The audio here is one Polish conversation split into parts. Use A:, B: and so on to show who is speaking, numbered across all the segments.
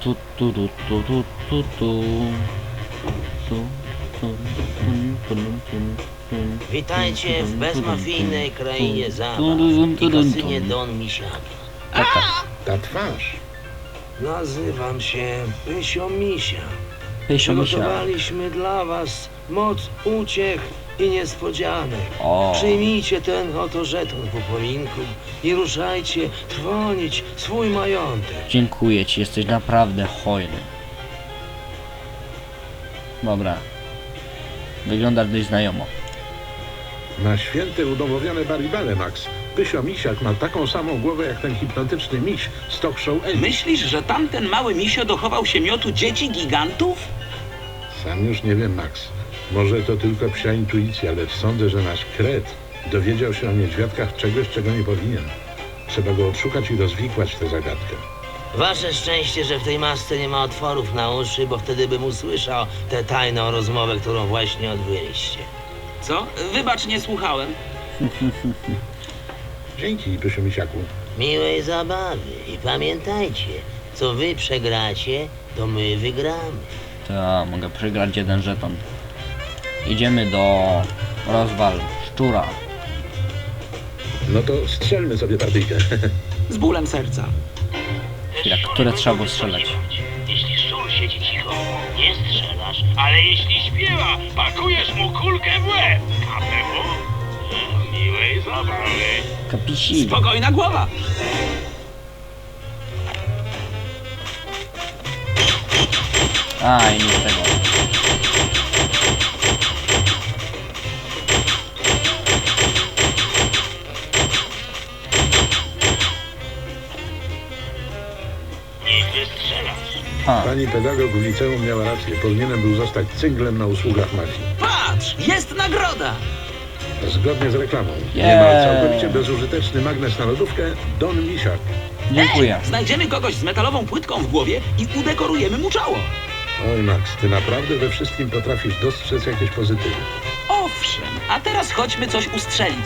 A: Witajcie w bezmafijnej krainie zabaw i kasynie Don Misiaka.
B: Ta twarz.
A: Nazywam się Pysio Misia.
C: Pysio Misia.
A: Przygotowaliśmy dla was moc uciech i niespodzianek.
C: O.
A: Przyjmijcie ten oto żeton w upominku i ruszajcie trwonić swój majątek.
C: Dziękuję ci, jesteś naprawdę hojny. Dobra. Wyglądasz dość znajomo.
B: Na święte udomowione baribale, Max. Pysio Misiak ma taką samą głowę jak ten hipnotyczny miś z talk show Amy.
D: Myślisz, że tamten mały misio dochował się miotu dzieci gigantów?
B: Sam już nie wiem, Max. Może to tylko psia intuicja, lecz sądzę, że nasz kret dowiedział się o niedźwiadkach czegoś, czego nie powinien. Trzeba go odszukać i rozwikłać tę zagadkę.
A: Wasze szczęście, że w tej masce nie ma otworów na uszy, bo wtedy bym usłyszał tę tajną rozmowę, którą właśnie odbyliście.
D: Co? Wybacz, nie słuchałem.
B: Dzięki, Pysio Misiaku.
A: Miłej zabawy i pamiętajcie, co wy przegracie, to my wygramy.
C: To mogę przegrać jeden żeton. Idziemy do rozwal szczura.
B: No to strzelmy sobie partyjkę.
D: Z bólem serca.
C: Chwila, które trzeba było strzelać?
E: Jeśli szczur siedzi cicho, nie strzelasz, ale jeśli śpiewa, pakujesz mu kulkę w łeb. KPW? Miłej zabawy.
C: Kapisi.
D: Spokojna głowa.
C: A, i nie z tego.
E: Nie strzelasz.
C: A,
B: Pani pedagog w liceum miała rację. Powinienem był zostać cynglem na usługach mafii.
D: Patrz, jest nagroda.
B: Zgodnie z reklamą.
C: Yeah.
B: Niemal całkowicie bezużyteczny magnes na lodówkę Don Misiak.
C: dziękuję.
D: Znajdziemy kogoś z metalową płytką w głowie i udekorujemy mu czoło.
B: Oj, Max, ty naprawdę we wszystkim potrafisz dostrzec jakieś pozytywy.
D: Owszem, a teraz chodźmy coś ustrzelić.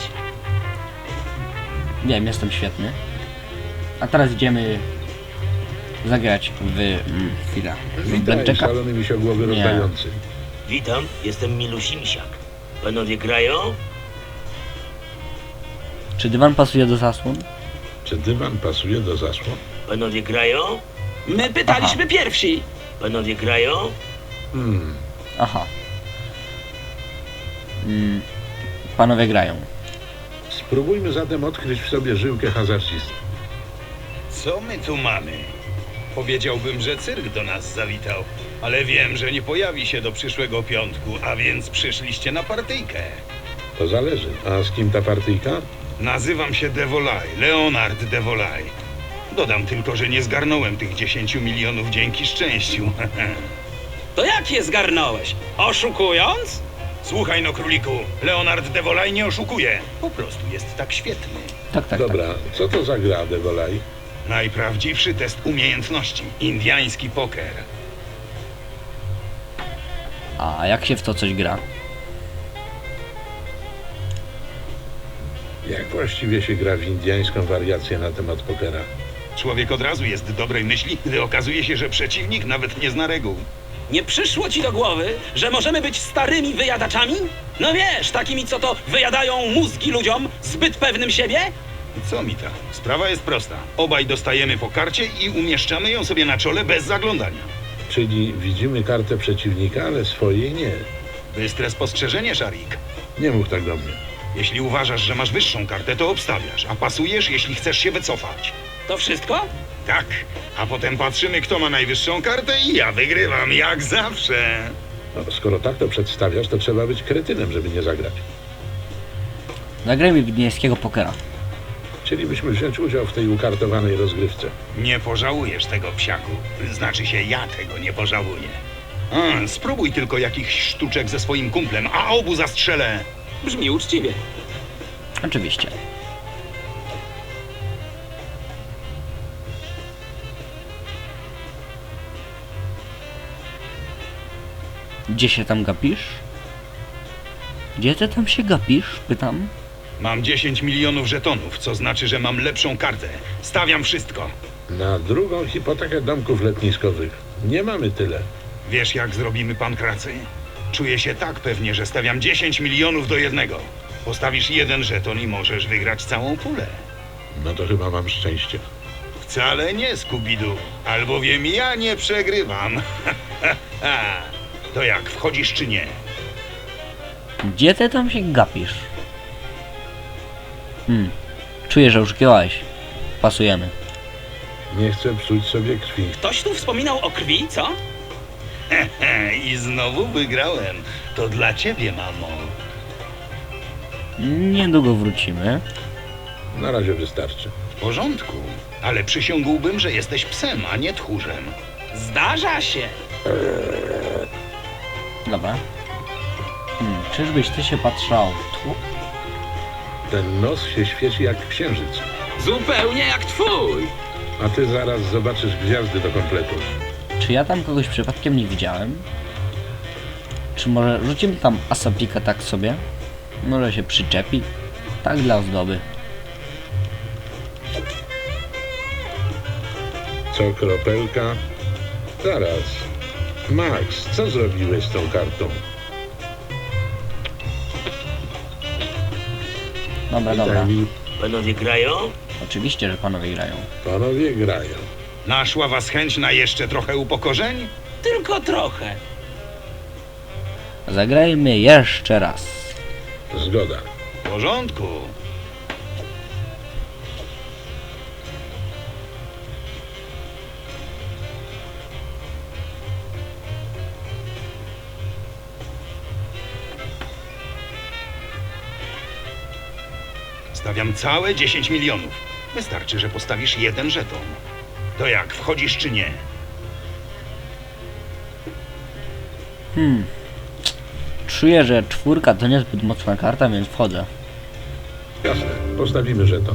C: Wiem, jestem świetny. A teraz idziemy zagrać w... chwila. W
B: Witaj,
C: Blackjacka.
B: szalony misiogłowy
C: Nie.
B: rozdający.
A: Witam, jestem Milusi Misiak. Panowie grają?
C: Czy dywan pasuje do zasłon?
B: Czy dywan pasuje do zasłon?
A: Panowie grają?
D: My pytaliśmy pierwsi.
A: Panowie grają?
C: Aha. Panowie grają.
B: Spróbujmy zatem odkryć w sobie żyłkę hazardzisty.
F: Co my tu mamy? Powiedziałbym, że cyrk do nas zawitał, ale wiem, że nie pojawi się do przyszłego piątku, a więc przyszliście na partyjkę.
B: To zależy. A z kim ta partyjka?
F: Nazywam się Devolay, Leonard Devolay. Dodam tylko, że nie zgarnąłem tych 10 milionów dzięki szczęściu.
D: To jak je zgarnąłeś? Oszukując?
F: Słuchaj no, króliku, Leonard Devolay nie oszukuje. Po prostu jest tak świetny.
C: Tak, tak,
B: Dobra,
C: tak.
B: co to za gra, Devolay?
F: Najprawdziwszy test umiejętności. Indiański poker.
C: A jak się w to coś gra?
B: Jak właściwie się gra w indyjską wariację na temat pokera?
F: Człowiek od razu jest dobrej myśli, gdy okazuje się, że przeciwnik nawet nie zna reguł.
D: Nie przyszło ci do głowy, że możemy być starymi wyjadaczami? No wiesz, takimi co to wyjadają mózgi ludziom, zbyt pewnym siebie?
F: Co mi ta? Sprawa jest prosta. Obaj dostajemy po karcie i umieszczamy ją sobie na czole bez zaglądania.
B: Czyli widzimy kartę przeciwnika, ale swojej nie.
F: Bystre spostrzeżenie, Szarik.
B: Nie mów tak do mnie.
F: Jeśli uważasz, że masz wyższą kartę, to obstawiasz, a pasujesz, jeśli chcesz się wycofać.
D: To wszystko?
F: Tak, a potem patrzymy, kto ma najwyższą kartę i ja wygrywam, jak zawsze.
B: No, skoro tak to przedstawiasz, to trzeba być kretynem, żeby nie zagrać.
C: Zagrajmy w indyjskiego pokera.
B: Chcielibyśmy wziąć udział w tej ukartowanej rozgrywce.
F: Nie pożałujesz tego, psiaku. Znaczy się, ja tego nie pożałuję. Spróbuj tylko jakichś sztuczek ze swoim kumplem, a obu zastrzelę.
D: Brzmi uczciwie.
C: Oczywiście. Gdzie się tam gapisz? Gdzie ty tam się gapisz? Pytam.
F: Mam 10 milionów żetonów, co znaczy, że mam lepszą kartę. Stawiam wszystko.
B: Na drugą hipotekę domków letniskowych. Nie mamy tyle.
F: Wiesz, jak zrobimy pankracy? Czuję się tak pewnie, że stawiam 10 milionów do 1. Postawisz jeden żeton i możesz wygrać całą pulę.
B: No to chyba mam szczęście.
F: Wcale nie, Skubidu, albowiem ja nie przegrywam. To jak, wchodzisz czy nie?
C: Gdzie ty tam się gapisz? Czuję, że już grałeś. Pasujemy.
B: Nie chcę psuć sobie krwi.
D: Ktoś tu wspominał o krwi, co?
F: I znowu wygrałem. To dla ciebie, mamo.
C: Niedługo wrócimy.
B: Na razie wystarczy.
F: W porządku, ale przysiągłbym, że jesteś psem, a nie tchórzem.
D: Zdarza się.
C: Dobra. Czyżbyś ty się patrzał? Tu?
B: Ten nos się świeci jak księżyc.
D: Zupełnie jak twój.
B: A ty zaraz zobaczysz gwiazdy do kompletu.
C: Czy ja tam kogoś przypadkiem nie widziałem? Czy może rzucimy tam asaplika tak sobie? Może się przyczepi? Tak dla ozdoby.
B: Co kropelka? Zaraz. Max, co zrobiłeś z tą kartą?
C: Dobra, dobra.
B: Witaj,
A: Panowie grają?
C: Oczywiście, że panowie grają.
B: panowie grają.
F: Naszła was chęć na jeszcze trochę upokorzeń?
D: Tylko trochę.
C: Zagrajmy jeszcze raz.
B: Zgoda.
F: W porządku. Stawiam całe 10 milionów. Wystarczy, że postawisz jeden żeton. To jak, wchodzisz czy nie?
C: Czuję, że czwórka to niezbyt mocna karta, więc wchodzę.
B: Jasne, postawimy żeton.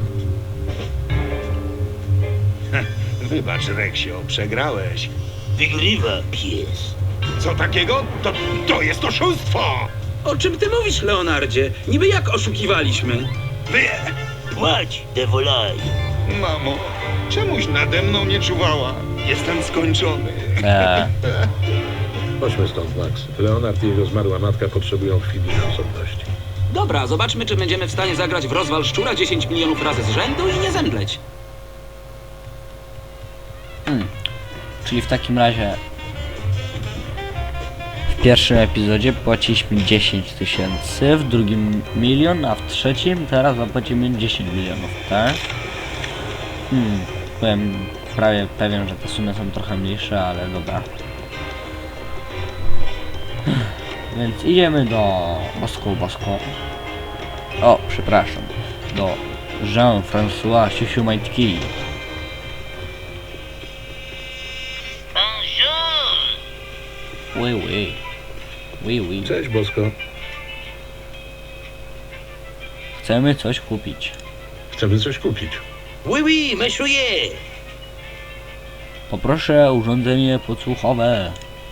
F: Wybacz, Reksio, przegrałeś.
A: Wygrywa pies.
F: Co takiego? To jest oszustwo!
D: O czym ty mówisz, Leonardzie? Niby jak oszukiwaliśmy?
F: Wy...
A: Płać, devolaj.
F: Mamo, czemuś nade mną nie czuwała? Jestem skończony.
B: Chodźmy stąd, Max. Leonard i jego zmarła matka potrzebują chwili na osobności.
D: Dobra, zobaczmy, czy będziemy w stanie zagrać w rozwal szczura 10 milionów razy z rzędu i nie zemdleć.
C: Czyli w takim razie w pierwszym epizodzie płaciliśmy 10 000, w drugim 1 000 000, a w trzecim teraz zapłacimy 10 milionów, tak? Byłem prawie pewien, że te sumy są trochę mniejsze, ale dobra. Więc idziemy do Bosko. O, przepraszam. Do Jean-François Siusiu-Majtki.
A: Bonjour.
C: Oui.
B: Cześć, Bosko.
C: Chcemy coś kupić.
B: Chcemy coś kupić.
A: Oui, monsieur.
C: Poproszę urządzenie podsłuchowe.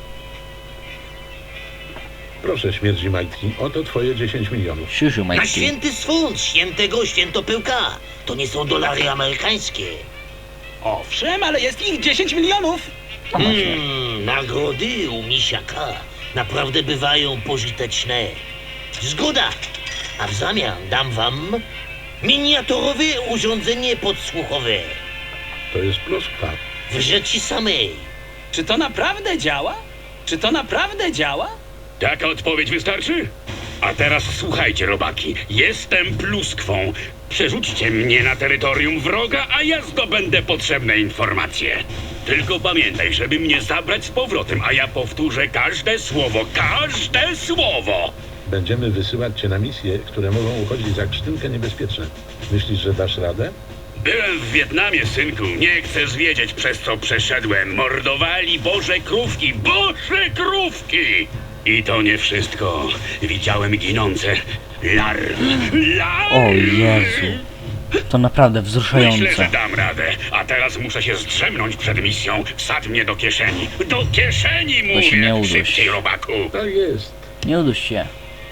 B: Proszę, śmierdzi majtki, oto twoje 10 milionów.
C: Siusiu
A: Na
C: Majtki.
A: święty swąd, świętego świętopyłka. To nie są dolary amerykańskie.
D: Owszem, ale jest ich 10 milionów.
A: Nagrody u misiaka naprawdę bywają pożyteczne. Zgoda. A w zamian dam wam miniaturowe urządzenie podsłuchowe.
B: To jest pluskwa.
A: W rzeczy samej.
D: Czy to naprawdę działa? Czy to naprawdę działa?
E: Taka odpowiedź wystarczy? A teraz słuchajcie, robaki. Jestem pluskwą. Przerzućcie mnie na terytorium wroga, a ja zdobędę potrzebne informacje. Tylko pamiętaj, żeby mnie zabrać z powrotem, a ja powtórzę każde słowo. Każde słowo!
B: Będziemy wysyłać cię na misje, które mogą uchodzić za krztynkę niebezpieczne. Myślisz, że dasz radę?
E: Byłem w Wietnamie, synku. Nie chcesz wiedzieć, przez co przeszedłem. Mordowali Boże krówki. Boże krówki! I to nie wszystko. Widziałem ginące larwy.
C: O Jezu. To naprawdę
E: Myślę,
C: wzruszające.
E: że dam radę. A teraz muszę się zdrzemnąć przed misją. Wsadź mnie do kieszeni. Do kieszeni,
C: To się nie
E: mówię!
C: uduś.
E: Szybciej, robaku!
B: Tak jest.
C: Nie uduś się.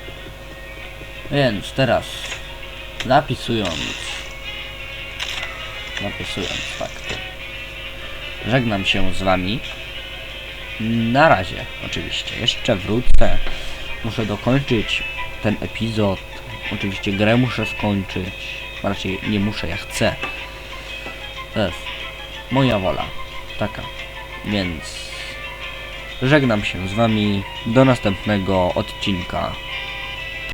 C: Więc teraz zapisując, tak. żegnam się z wami. Na razie, oczywiście. Jeszcze wrócę. Muszę dokończyć ten epizod. Oczywiście grę muszę skończyć. Raczej nie muszę, ja chcę. To jest moja wola. Taka. Więc żegnam się z wami. Do następnego odcinka.